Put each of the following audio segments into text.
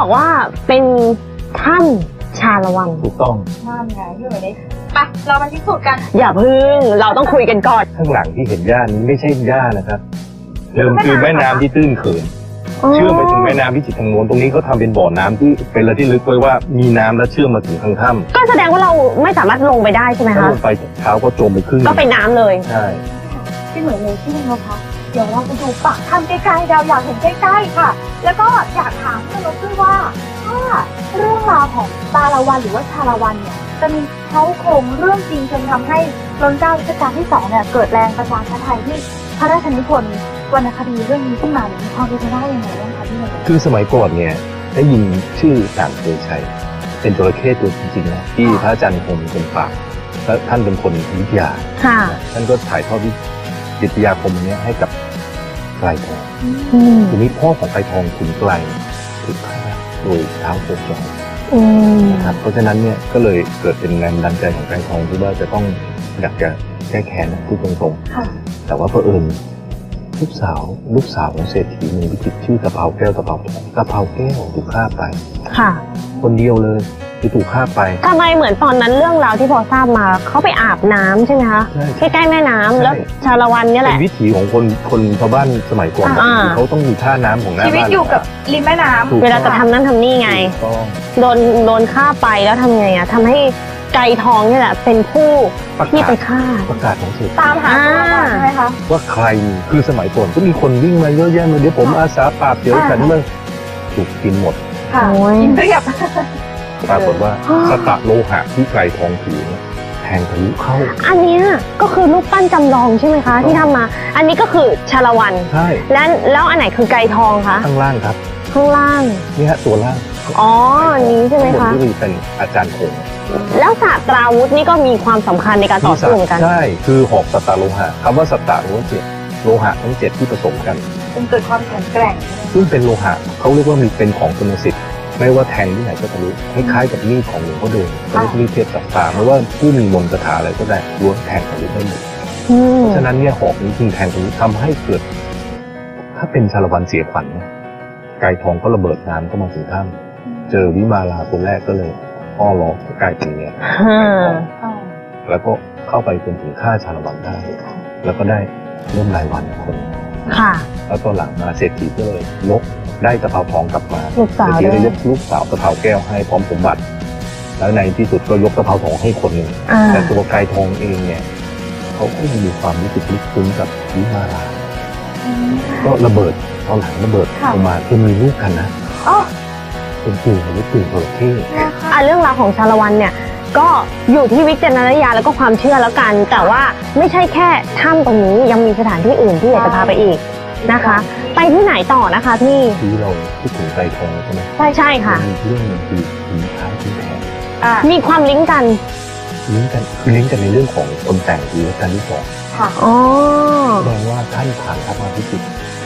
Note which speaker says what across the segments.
Speaker 1: บอกว่าเป็นถ้ำชาละวัน
Speaker 2: ถูกต้อง
Speaker 3: นั่นไงพี่หมวยได้ไปเรามาพิสูจน์กัน
Speaker 1: อย่าพึ่งเราต้องคุยกันก่อน
Speaker 2: ข้างหลังที่เห็นหญ้านี้ไม่ใช่หญ้านะครับเดิมคือแม่น้ำที่ตื้นเขินเชื่อมไปถึงแม่น้ำพิจิตรทางโน้นตรงนี้เขาทำเป็นบ่อน้ำที่เป็นระที่ลึกไว้ว่ามีน้ำและเชื่อมมาถึงทางถ้ำ
Speaker 1: ก็แสดงว่าเราไม่สามารถลงไปได้ใช่ไหมคะ
Speaker 2: ถ้าลงไปเท้าก็จมไปครึ่ง
Speaker 1: ก็เป็นน้ำเลย
Speaker 2: ใช่
Speaker 3: พี่หมวยเลยที่นึงนะคะเดี๋ยวเราไปดูปากถ้ำใกล้ๆเราอยากเห็นใกล้ๆค่ะแล้วก็อยากถามพี่นกด้วยว่าถ้าเรื่องราวของชาละวันหรือว่าชาละวันเนี่ยจะมีเขาโครงเรื่องจริงจนทำให้รัชกาลที่2เนี่ยเกิดแรงประชาธิปไตยที่พระราชนิพนธ์วรรณคดีเรื่องนี้ขึ้นมามีความเป็นไปได้ยังไงบ้างคะพี่หมวย
Speaker 2: คือสมัยก่อนเนี่ยได้ยินชื่อต่างเคยใช้เป็นจระเข้ตัวจริงๆนะที่พระอาจารย์คมเป็นปากและท่านเป็นคนวิทยาท่านก็ถ่ายทอดวิทยาคมนี้ให้กับไกรทองทีนี้พ่อของไกรทองขุนไกรถูกฆ่าโดยเท้าโกจองนะครับเพราะฉะนั้นเนี่ยก็เลยเกิดเป็นแรงดันใจของไกรทองที่ว่าจะต้องอยากจะแก้แค้นพูดตรงๆแต่ว่าเผอิญลูกสาวของเศรษฐีมีวิจิตรชื่อกะเพราแก้วกะเพราทองกะเพราแก้วถูกฆ่าไป
Speaker 1: ค่ะ
Speaker 2: คนเดียวเลยที่ถูกฆ่าไป
Speaker 1: ทำไมเหมือนตอนนั้นเรื่องราวที่พอทราบมาเขาไปอาบน้ำใช่ไหมคะใกล้ๆแม่น้ำแล้วชาละวันเนี่ยแหละ
Speaker 2: เป็นวิถีของคนชาวบ้านสมัยก่อนเขาต้องมีท่าน้ำของหน้าบ้าน
Speaker 3: ชีวิตอยู่กับริมแม่น้ำ
Speaker 1: เวลาจะทำนั่นทำนี่ไงโดนฆ่าไปแล้วทำไงอะทำให้ไกรทองนี่แหละเป็นผู้ที่ไปฆ่า
Speaker 2: ประกาศของเศรษฐี
Speaker 3: ตามหาตัวใช่ไหมคะ
Speaker 2: ว่าใครคือสมัยก่อนก็มีคนวิ่งมาเยอะแยะเลยเดี๋ยวผมอาสาปราบเดี๋ยวฉันเมื่อถูกกินหมด
Speaker 3: ค่ะกินเรียบ
Speaker 2: ปรากฏว่าสตะโลหะที่ไกรทองถือแทงทะลุเข้า
Speaker 1: อันนี้ก็คือรูปปั้นจำลองใช่ไหมคะที่ทำมาอันนี้ก็คือชาละวัน
Speaker 2: ใช่
Speaker 1: แล้วอันไหนคือไกรทองคะ
Speaker 2: ข้างล่างครับ
Speaker 1: ข้างล่าง
Speaker 2: นี่ฮะตัวล่าง
Speaker 1: อ๋อนี้ใช่ไหมคะ
Speaker 2: ที่เป็นอาจารย์คง
Speaker 1: แล้วศาสตราวุธนี่ก็มีความสำคัญในการต่อสู้เหมือนกัน
Speaker 2: ใช่คือหอกสตะโลหะคำว่าสตะโลหะทั้ง7ที่ผสมกัน
Speaker 3: เป็นเกิดความแข็งแกร่ง
Speaker 2: ซึ่งเป็นโลหะเขาเรียกว่ามีเป็นของคุณสิทธิ์ไม่ว่าแทงที่ไหนก็ทะลุคล้ายๆกับมีดของหลวงพ่อเดิมเขาเรียกมีดเทพสัตตาไม่ว่าผู้มีมนต์คาถาอะไรก็ได้ล้วนแทงทะลุได้หมดเพราะฉะนั้นเนี่ยหอกนี้จึงแทงทะลุทำให้เกิดถ้าเป็นชาละวันเสียขวัญไกรทองก็ระเบิดน้ำเข้ามาถึงถ้ำเจอวิมาลาตัวแรกก็เลยอ้อล้อกลายเป็นเนี่ยแล้วก็เข้าไปจนถึงฆ่าชาละวันได้แล้วก็ได้เริ่มรายวันคนแล้วก็หลังมาเศรษฐีก็เลยยกได้กะเพราทองกลับมาเศรษฐีเลยยกลูกสาวกะเพราแก้วให้พร้อมสมบัติแล้วในที่สุดก็ยกกะเพราทองให้คนหนึ่งแต่ตัวไกรทองเองเนี่ยเขาก็ยังมีความรู้สึกลึกซึ้งกับวิมาลาก็ระเบิดตอนหลังระเบิดออกมาจนมีลูกกันนะเป็นตื่นหรือตื่นโอเค
Speaker 1: เรื่องราวของชาละวันเนี่ยก็อยู่ที่วิจารณญาณแล้วก็ความเชื่อแล้วกันแต่ว่าไม่ใช่แค่ถ้ำตรงนี้ยังมีสถานที่อื่นที่อยากจะพาไปอีกนะคะไปที่ไหนต่อนะคะพี่
Speaker 2: ที่เราพูดถึงไกรทองใช่ไหม
Speaker 1: ใช่ค่ะ
Speaker 2: มีเรื่องนึงคือผีท้ายผีแผล
Speaker 1: มีความลิงก์กัน
Speaker 2: คือลิงก์กันในเรื่องของคนแต่งผีรัชกาลที่2
Speaker 1: ค่ะอ๋อ
Speaker 2: แสดงว่าท่านผ่านทัพมาพิจิตร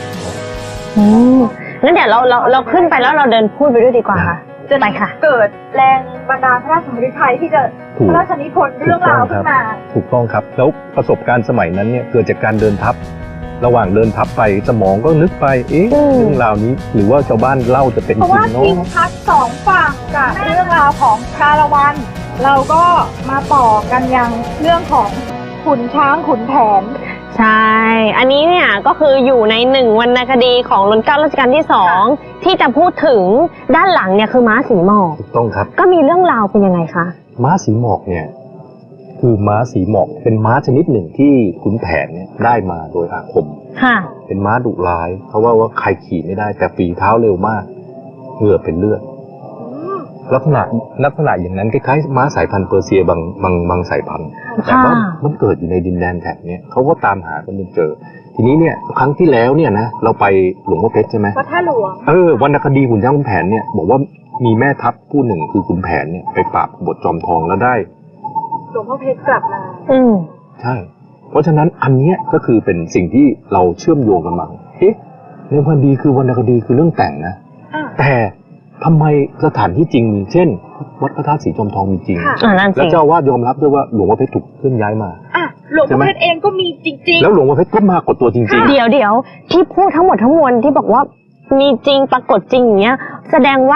Speaker 1: งั้นเดี๋ยวเราขึ้นไปแล้วเราเดินพูดไปด้วยดีกว่าค่ะ
Speaker 3: จะไปค่ะเกิดแรงบันดาลพระราชฤทัยที่จะพระราชนิพนธ์เรื่องราวขึ้นมา
Speaker 2: ถูกต้องครับแล้วประสบการณ์สมัยนั้นเนี่ยเกิดจากการเดินทัพระหว่างเดินทัพไปสมองก็นึกไปเรื่องราวนี้หรือว่าชาวบ้านเล่าจะเป็นจริงเนาะเพราะว่า
Speaker 3: ทิศทัศน์2ฝั่งกับเรื่องราวของชาละวันเราก็มาต่อกันยังเรื่องของขุนช้างขุนแผน
Speaker 1: ใช่อันนี้เนี่ยก็คืออยู่ใน1วรรณคดีของรัชกาลที่2ที่จะพูดถึงด้านหลังเนี่ยคือม้าสีหมอก
Speaker 2: ถูกต้องครับ
Speaker 1: ก็มีเรื่องราวเป็นยังไงคะ
Speaker 2: ม้าสีหมอกเนี่ยคือม้าสีหมอกเป็นม้าชนิดหนึ่งที่ขุนแผนเนี่ยได้มาโดยอาคมเป็นม้าดุร้ายเพราะว่าใครขี่ไม่ได้แต่ฝีเท้าเร็วมากเหงื่อเป็นเลือดลักษณะอย่างนั้นคล้ายๆม้าสายพันธุ์เปอร์เซียบางสายพันธุ์แต่ว่ามันเกิดอยู่ในดินแดนแถบนี้เขาก็ตามหากันจนเจอทีนี้เนี่ยครั้งที่แล้วเนี่ยนะเราไปหลวงพ่อเพชรใช่ไหม
Speaker 3: วัดท่าหลวง
Speaker 2: วรรณคดีขุนช้างขุนแผนเนี่ยบอกว่ามีแม่ทัพผู้หนึ่งคือขุนแผนเนี่ยไปปราบบทจอมทองแล้วได้
Speaker 3: หลวงพ่อเพชรกลับมา
Speaker 2: ใช่เพราะฉะนั้นอันนี้ก็คือเป็นสิ่งที่เราเชื่อมโยงกันมาในวรรณคดีคือวรรณคดีคือเรื่องแต่งนะแต่ทำไมสถานที่จริงมีเช่นวัดพระธาตุสีจอมทองมีจริงแล้วเจ้าวาดยอมรับด้วยว่าหลวงพ่อเพชรถูกเคลื่อนย้ายมา
Speaker 3: หลวงพ่อเพชรเองก็มีจริงๆ
Speaker 2: แล้วหลวงพ่อเพชรก็มากดตัวจริง
Speaker 1: ๆเดี๋ยวที่พูดทั้งหมดทั้งมวลที่บอกว่ามีจริงปรากฏจริงอย่างเงี้ยแสดงว่า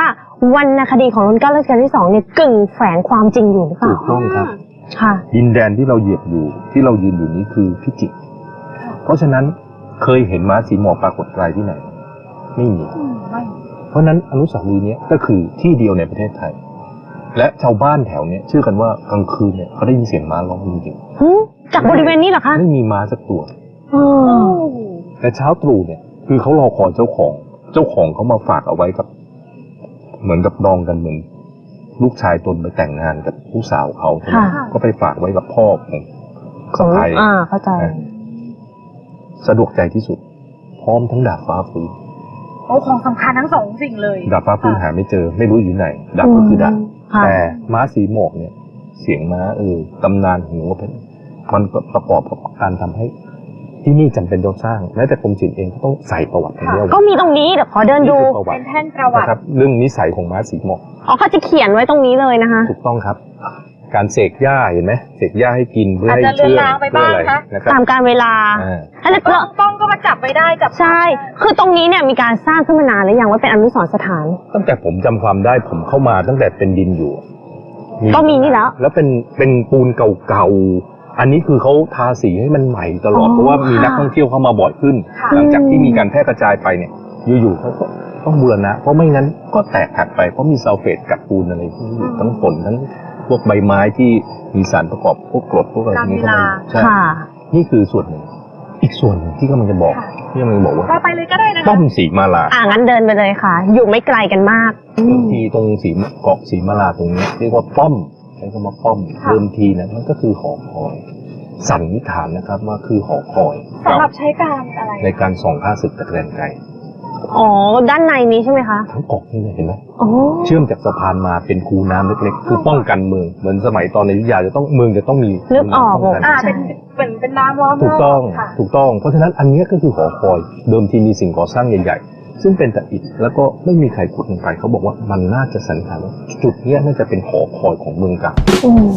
Speaker 1: วรรณคดีของรัชกาลที่ 2เนี่ยกึ่งแฝงความจริงอยู่หรือเปล่า
Speaker 2: ถูกต้องครับ
Speaker 1: ค่ะ
Speaker 2: ดินแดนที่เราเหยียบอยู่ที่เรายืนอยู่นี้คือพิจิตรเพราะฉะนั้นเคยเห็นม้าสีหมอกปรากฏกายที่ไหน ไม่มี
Speaker 3: ไม่
Speaker 2: เพราะฉะนั้นอนุสาวรีย์เนี้ยก็คือที่เดียวในประเทศไทย และชาวบ้านแถวเนี้ยเชื่อกันว่ากลางคืนเนี่ยเขาได้ยินเสียงม้าร้องจริง
Speaker 1: จากบริเวณนี้เหรอคะ
Speaker 2: ๆไม่มีม้าสักตัว
Speaker 1: อ๋อ
Speaker 2: แต่เช้าตรู่เนี่ยคือเขารอคอยเจ้าของเขามาฝากเอาไว้กับ เหมือนกับดองกันเหมือนลูกชายตนไปแต่งงานกับผู้สาวเขาใช่ไหม
Speaker 1: ค่ะ
Speaker 2: ก็ไปฝากไว้กับพ่อของสะใภ้
Speaker 1: เข้าใจ
Speaker 2: สะดวกใจที่สุด พร้อมทั้งดาบฟ้าฟื้น
Speaker 3: โอ้ของสำคัญทั้งสองสิ่งเลย
Speaker 2: ดาบฟ้าฟื้นหาไม่เจอไม่รู้อยู่ไหนดาบก็คือดาบ
Speaker 1: ค่ะ
Speaker 2: แต่ม้าสีหมอกเนี่ย เสียงม้าตำนานของหลวงพ่อเพชรมันก็ประกอบกับการทำให้ที่นี่จำเป็นต้องสร้างแม้แต่กรมศิลป์เองก็ต้องใส่ประวัติตรงนี้เอา
Speaker 1: ก็
Speaker 2: ไว้
Speaker 1: มีตรงนี้เดี๋ยวขอเดิน
Speaker 2: นี่
Speaker 1: ดู
Speaker 2: คือประวั
Speaker 3: เป็
Speaker 2: ติ
Speaker 3: นแท่นประวัติ
Speaker 2: นะครับเรื่องนิสัยของม้าสีหมอก
Speaker 1: อ๋อเขาจะเขียนไว้ตรงนี้เลยนะคะ
Speaker 2: ถูกต้องครับ การเสกหญ้าเห็นไหมเสกหญ้าให้กินเพื่อให้
Speaker 3: อาจจะ
Speaker 2: เชื่อ
Speaker 3: เลือนลางไป
Speaker 2: เพื่ออะไร
Speaker 3: บ้างนะ
Speaker 2: นะครับ
Speaker 1: ตามการเวลา
Speaker 2: อ่า
Speaker 1: แล้ว
Speaker 3: กล้องก็มาจับไว้ได้จับ
Speaker 1: ใช่ คือตรงนี้เนี่ยมีการสร้างขึ้นมานานแล้วยังว่าเป็นอนุสรณ์สถาน
Speaker 2: ตั้งแต่ผมจำความได้ผมเข้ามาตั้งแต่เป็นดินอยู่
Speaker 1: ก็มีนี่แล้ว
Speaker 2: แล้วเป็นปูนเก่าๆ อันนี้คือเขาทาสีให้มันใหม่ตลอด
Speaker 1: อ๋อ
Speaker 2: เพราะว่ามี
Speaker 1: ค่ะ
Speaker 2: นักท่องเที่ยวเข้ามาบ่อยขึ้น
Speaker 3: ค่ะ
Speaker 2: หลังจากที่มีการแพร่กระจายไปเนี่ย อยู่ๆเขาก็ต้องบูรณะ เพราะไม่งั้นก็แตกหักไป เพราะมีซัลเฟตกับปูนอะไรพวกนี้อยู่ทั้งฝนทั้งพวกใบไม้ที่มีสารประกอบพวกกรดพวกอะไรพวกนี้เข้ามาอยู่ใช่
Speaker 1: ค่ะ
Speaker 2: นี่คือส่วนหนึ่ง อีกส่วนหนึ่งที่กำลังจะบอก
Speaker 3: ค่ะ
Speaker 2: ที่กำลังจะบอกว่า
Speaker 3: เราไปเลยก็ได้นะคะ
Speaker 2: ป้อมสีมาลา
Speaker 1: งั้นเดินไปเลยค่ะ อยู่ไม่ไกลกันมาก
Speaker 2: เดิมทีตรงเกาะสีมาลาตรงนี้เรียกว่าป้อมใช้คำว่าป้อม
Speaker 3: ค่ะ
Speaker 2: เดิมทีนะมันก็คือหอคอยสันนิษฐานนะครับว่าคือหอคอย
Speaker 3: สำหรับใช้การอะไร
Speaker 2: ในการส่องข้าศึกตะแกรงไกล
Speaker 1: อ๋อ ด้านในนี้ใช่ไหมคะ
Speaker 2: ทั้งเกาะนี่เลยเห็นไหม
Speaker 1: อ๋อ
Speaker 2: เชื่อมจากสะพานมาเป็นคูน้ำเล็กๆคือป้องกันเมืองเหมือนสมัยตอนในอยุธยาจะต้องเมืองจะต้องมี
Speaker 1: นึกออก
Speaker 2: คูน้ำป้งกัน
Speaker 3: เป็นเหมือนเป็นน้ำล้อมรบ
Speaker 2: ถูกต้อง
Speaker 3: ค่ะ
Speaker 2: ถูกต้อง เพราะฉะนั้นอันเนี้ยก็คือหอคอย เดิมทีมีสิ่งก่อสร้างใหญ่ๆ ซึ่งเป็นแต่อิฐแล้วก็ไม่มีใครขุดลงไปเขาบอกว่ามันน่าจะสันนิษฐานว่าจุดเนี้ยน่าจะเป็นหอคอยของเมืองเก่า
Speaker 1: อืม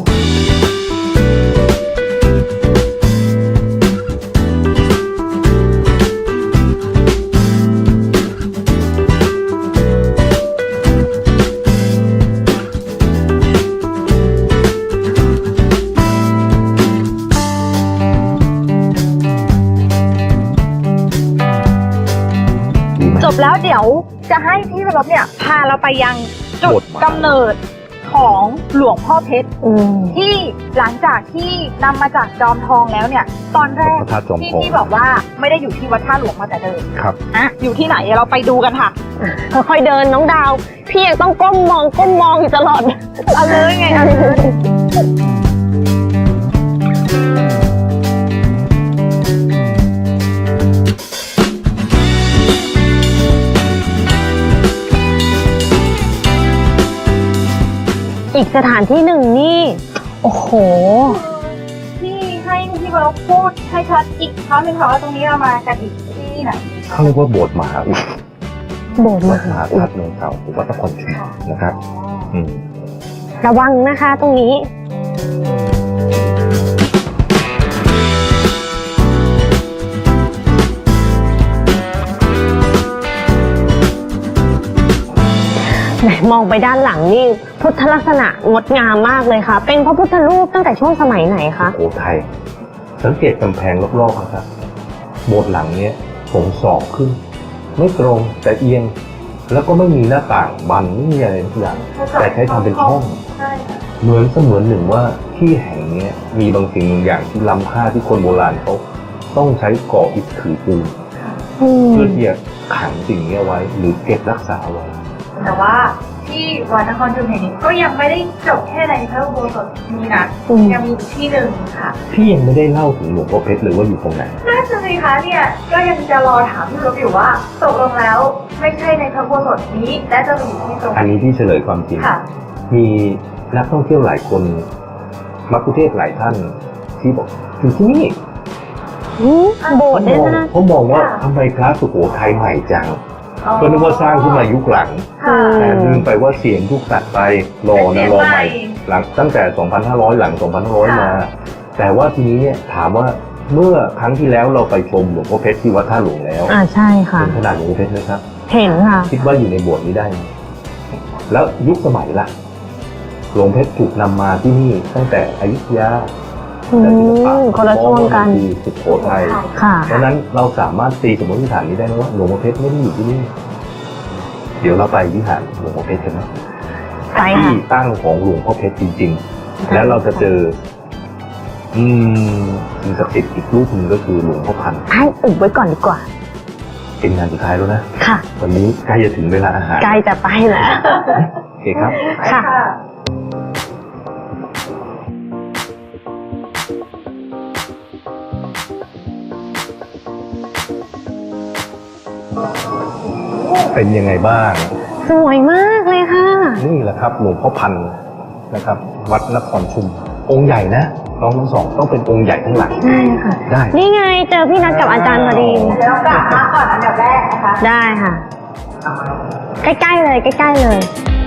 Speaker 2: ดีไหม
Speaker 3: จบแล้วเดี๋ยวจะให้พี่วรบเนี่ยพาเราไปยังจุดกำเนิดของหลวงพ่อเพชร
Speaker 1: อืม
Speaker 3: ที่หลังจากที่นำมาจากจอมทองแล้วเนี่ย ตอนแรก
Speaker 2: พระธาตุจอม
Speaker 3: ที่
Speaker 2: ทอง
Speaker 3: พี่บอกว่าไม่ได้อยู่ที่วัดท่าหลวงมาแต่เดิม
Speaker 2: ครับ
Speaker 3: อะอยู่ที่ไหนเราไปดูกันค่ะ
Speaker 1: ค่อยๆเดินน้องดาว พี่ยังต้องก้มมองอยู่ตลอด
Speaker 3: เอาเลยไงเอาเลย
Speaker 1: อีกสถานที่หนึ่งนี่ โอ้โห
Speaker 3: ที่ให้พี่วรบพูดให้ชัดอีกครั้งหนึ่งค่ะว่าตรงนี้เรามากันอีกที่ไหน
Speaker 2: เขาเรียกว่าโบสถ์มหาอุด
Speaker 1: โบสถ์
Speaker 2: วั
Speaker 1: ม
Speaker 2: ดม
Speaker 1: หา
Speaker 2: หา
Speaker 1: อุ
Speaker 2: ธา
Speaker 1: ด
Speaker 2: ตุเมืองเก่าหรือวัดนครชุมนะครับ อืม
Speaker 1: ระวังนะคะตรงนี้ ไหนมองไปด้านหลังนี่พุทธลักษณะงดงามมากเลยค่ะ เป็นพระพุทธรูปตั้งแต่ช่วงสมัยไหนคะ
Speaker 2: โอ้ไทย สังเกตกำแพงรอบๆนะครับ โบสถ์หลังเนี้ยผมศอกขึ้น ไม่ตรงแต่เอียง แล้วก็ไม่มีหน้าต่างบันไม่มีอะไรทุกอย่าง แต่ใช้ทำเป็นช่อง
Speaker 3: ใช่ค่ะ
Speaker 2: เหมือนเสมือนหนึ่งว่าที่แห่งเนี้ยมีบางสิ่งบางอย่างที่ล้ำค่าที่คนโบราณเขาต้องใช้ก่ออิฐถือปูน
Speaker 1: อืม
Speaker 2: เพื่อที่จะขังสิ่งนี้เอาไว้ หรือเก็บรักษาเอาไว้
Speaker 3: แต่ว่าที่วัดนครชุมแห่งนี้ก็ยังไม่ได้จบแค่ในพระอุโบสถนี้นะ
Speaker 1: อืม
Speaker 3: ยังมีอีกที่หนึ่งค่ะ
Speaker 2: พี่ยังไม่ได้เล่าถึงหลวงพ่อเพชรเลยว่าอยู่ตรงไหน
Speaker 3: น่าจะสิคะเนี่ยก็ยังจะรอถามพี่รบอยู่ว่าตกลงแล้วไม่ใช่ในพระอุโบสถนี้และจะไปอยู่ที่ตรง
Speaker 2: อันนี้ที่เฉลยความจริง
Speaker 3: ค่ะ
Speaker 2: มีนักท่องเที่ยวหลายคนมักคุเทศก์หลายท่านที่บอกอยู่ที่นี่
Speaker 1: อืมโบสถ์เนี่ยนะ
Speaker 2: เขามองว่าทำไมพระสุโขทัยใหม่จัง
Speaker 3: อ๋อ
Speaker 2: ก็นึกว่าสร้างขึ้นมายุคหลัง
Speaker 3: ค่ะ
Speaker 2: แต่ลืมไปว่าเสียงทุกตัดไปรอนะรอใหม่หลังตั้งแต่ 2,500 หลัง 2,500 มา แต่ว่าทีนี้เนี่ยถามว่าเมื่อครั้งที่แล้วเราไปชมหลวงพ่อเพชรที่วัดท่าหลวงแล้ว
Speaker 1: ใช่ค่ะ
Speaker 2: เห็นขนาดหลวงพ่อเพชรไหมครับ
Speaker 1: เห็นค่ะ
Speaker 2: คิดว่าอยู่ในโบสถ์นี้ได้ไหมแล้วยุคสมัยล่ะหลวงเพชรถูกนำมาที่นี่ตั้งแต่อยุธยา
Speaker 1: คนละช่วงกัน
Speaker 2: สุโขทัย
Speaker 1: ค่ะ
Speaker 2: เพราะฉะนั้นเราสามารถตีสมมติฐานนี้ได้ไหมว่าหลวงพ่อเพชรไม่ได้อยู่ที่นี่ เดี๋ยวเราไปวิหารหลวงพ่อเพชรกันนะ
Speaker 1: ไปค่ะ
Speaker 2: ที่ตั้งของหลวงพ่อเพชรจริงๆ แล้วเราจะเจอสิ่งศักดิ์สิทธิ์อีกรูปหนึ่งก็คือหลวงพ่อพันธุ์
Speaker 1: ให้อุบไว้ก่อนดีกว่า
Speaker 2: เป็นงานสุดท้ายแล้วนะ
Speaker 1: ค่ะ
Speaker 2: วันนี้ใกล้จะถึงเวลาอาหาร
Speaker 1: ใกล้จะไปแล้ว
Speaker 2: โอเคครับ
Speaker 1: ค่ะ
Speaker 2: เป็นยังไงบ้าง
Speaker 1: สวยมากเลยค่ะ
Speaker 2: นี่แหละครับหลวงพ่อพันธุ์นะครับ วัดนครชุม องค์ใหญ่นะน้องทั้งสองต้องเป็นองค์ใหญ่ทั้งหลัง
Speaker 1: ใช่ค่ะ
Speaker 2: ได้
Speaker 1: นี่ไงเจอพี่นัทกับอาจารย์พอดี
Speaker 3: เดี๋ยวเรากลับมาก่อนอันดับแรกนะคะ
Speaker 1: ได้ค่ะ ใกล้ๆเลยใกล้ๆเลย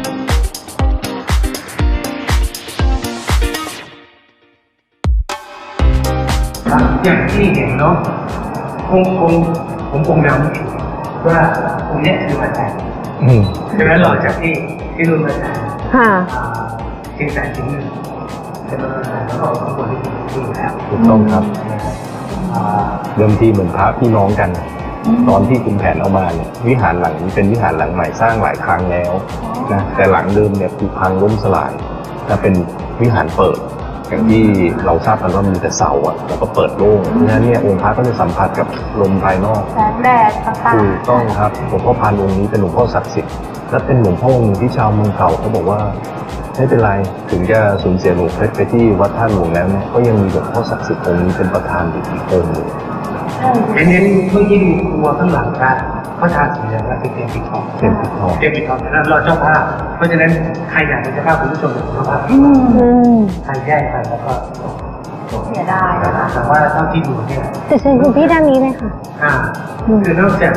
Speaker 4: อย่างที่เห็นเนาะผมคงเดาไม่ถูกว่าองค์เนี้ยคือพระจันทร์
Speaker 2: อืม
Speaker 4: ดังนั้นหลังจากที่รุ่นพระจันทร์
Speaker 1: ค่ะ
Speaker 4: เชียงแสนถึงหนึ่งจะมาแล้วก็ข้างบนที่ดูแล้ว
Speaker 2: ถูกต้องครับ เดิมทีเหมือนพระพี่น้องกัน ตอนที่คุณแผนเอามาเนี่ยวิหารหลังนี้เป็นวิหารหลังใหม่สร้างหลายครั้งแล้วนะแต่หลังเดิมเนี่ยผุพังล้มสลายและเป็นวิหารเปิด อย่างที่เราทราบกันว่ามีแต่เสาอะแล้วก็เปิดโล่งเพราะฉะนั้นเนี่ยองค์พระก็จะสัมผัสกับลมภายนอก
Speaker 3: แสงแดดต่าง
Speaker 2: ถูกต้องครับหลวงพ่อพานองค์นี้เป็นหลวงพ่อศักดิ์สิทธิ์และเป็นหลวงพ่อองค์หนึ่งที่ชาวเมืองเก่าเขาบอกว่าไม่เป็นไรถึงจะสูญเสียหลวงเพชรไปที่วัดท่าหลวงแล้วเนี่ยก็ยังมีหลวงพ่อศักดิ์สิทธิ์องค์นี้เป็นประธานอยู่อีกองค์หนึ่ง
Speaker 4: เน้นเมื่อกี้ดูครัวข้างหลังกันเขาทาสีเหลืองและเป็นเตียงปิดทอง
Speaker 2: เต็มปิดทอง
Speaker 4: เตียงปิดทองแล้วรอเจ้าภาพเพราะฉะนั้นใครอยากเป็นเจ้าภาพคุณผู้ชมเป็นเจ้าภาพ
Speaker 1: อืม
Speaker 4: ใครแยกกันแล้วก็
Speaker 3: ๆเสียดายนะคะ
Speaker 4: แต่ว่าเท่าที่ดูเนี่ย
Speaker 1: จะเชิญคุณพี่ด้านนี้เลยค่ะ
Speaker 4: คือนอกจาก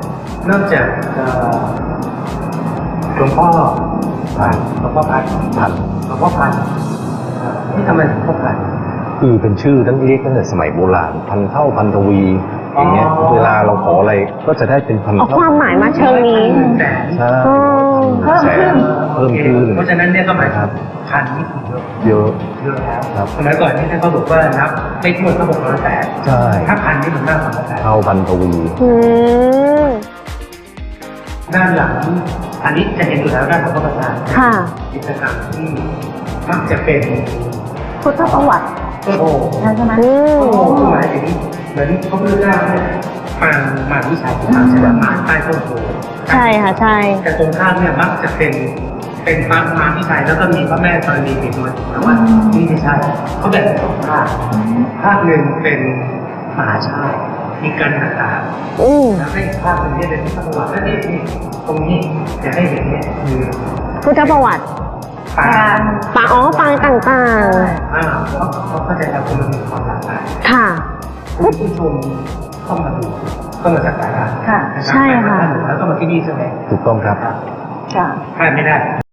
Speaker 4: หลวงพ่อพันหลวงพ่อพัน
Speaker 2: พัน
Speaker 4: หลวงพ่อพันที่ทำไมหลวงพ่อพัน
Speaker 2: คือเป็นชื่อตั้งเรียกตั้งแต่สมัยโบราณพันเท่าพันทวีอย่างเงี้ย
Speaker 4: อ๋อ
Speaker 2: เวลาเราขออะไรก็จะได้เป็นพัน
Speaker 1: เอา
Speaker 2: เท่า
Speaker 1: ความหมายมาเชิงนี้
Speaker 4: แต่
Speaker 2: ใช่
Speaker 1: อ๋อ
Speaker 2: เพิ่มขึ้นเพิ่มขึ้น
Speaker 4: เพราะฉะนั้นเนี่ยก็หมายถึงพันนี่คือเยอะ
Speaker 2: เยอะ
Speaker 4: เยอะแล้ว
Speaker 2: ครับ
Speaker 4: สมัยก่อนนี่ท่านเขาบอกว่านับไม่ถ้วนก็608
Speaker 2: ใช่
Speaker 4: ถ้าพันนี่มันมากกว่า608
Speaker 2: เท่าพันทวี
Speaker 1: อืม
Speaker 4: ด้านหลังอันนี้จะเห็นอยู่แล้วด้านของพระประธาน
Speaker 1: ค่ะ
Speaker 4: กิจกรรมที่มักจะเป็น
Speaker 3: พุทธประวัติ
Speaker 4: ต้นโพ
Speaker 3: ใช่ไหม
Speaker 1: อืม
Speaker 4: ต้นโพคือหมายถึงเหมือนพระพุทธเจ้าเนี่ยมาวิชาที่ทำใช่ไหมมาใต้ต้นโพ
Speaker 1: ใช่ค่ะใช่
Speaker 4: แต่ตรงข้ามเนี่ยมักจะเป็นพระมารวิชัยแล้วก็มีพระแม่ธรณีติดมาแต่ว่านี่ไม่ใช่เขาแบ่งเป็นสองภาคภาคหนึ่งเป็นมหาชาติมีการต่าง
Speaker 1: อืม
Speaker 4: ๆแล้วให้อีกภาคหนึ่งเนี่ยเป็นพุทธประวัติและนี่ตรงนี้จะให้เห็นเนี่ยคือ
Speaker 1: พุทธประวัติ
Speaker 4: ปาง
Speaker 1: ปางอ๋อปางต่าง
Speaker 4: เขาเข้าใจแล้วว่ามันมีความหลากหลาย
Speaker 1: ๆ ค่ะ
Speaker 4: คุณผู้ชมเข้ามาดูเข้ามาสักการะ
Speaker 3: ค่ะ
Speaker 4: นรับ
Speaker 1: ใช่ค่ะ
Speaker 4: แล้วก็มาที่นี่ใช่ไหม
Speaker 2: ถูกต้องครับ
Speaker 3: ค่ะ
Speaker 4: พลาดไม่ได้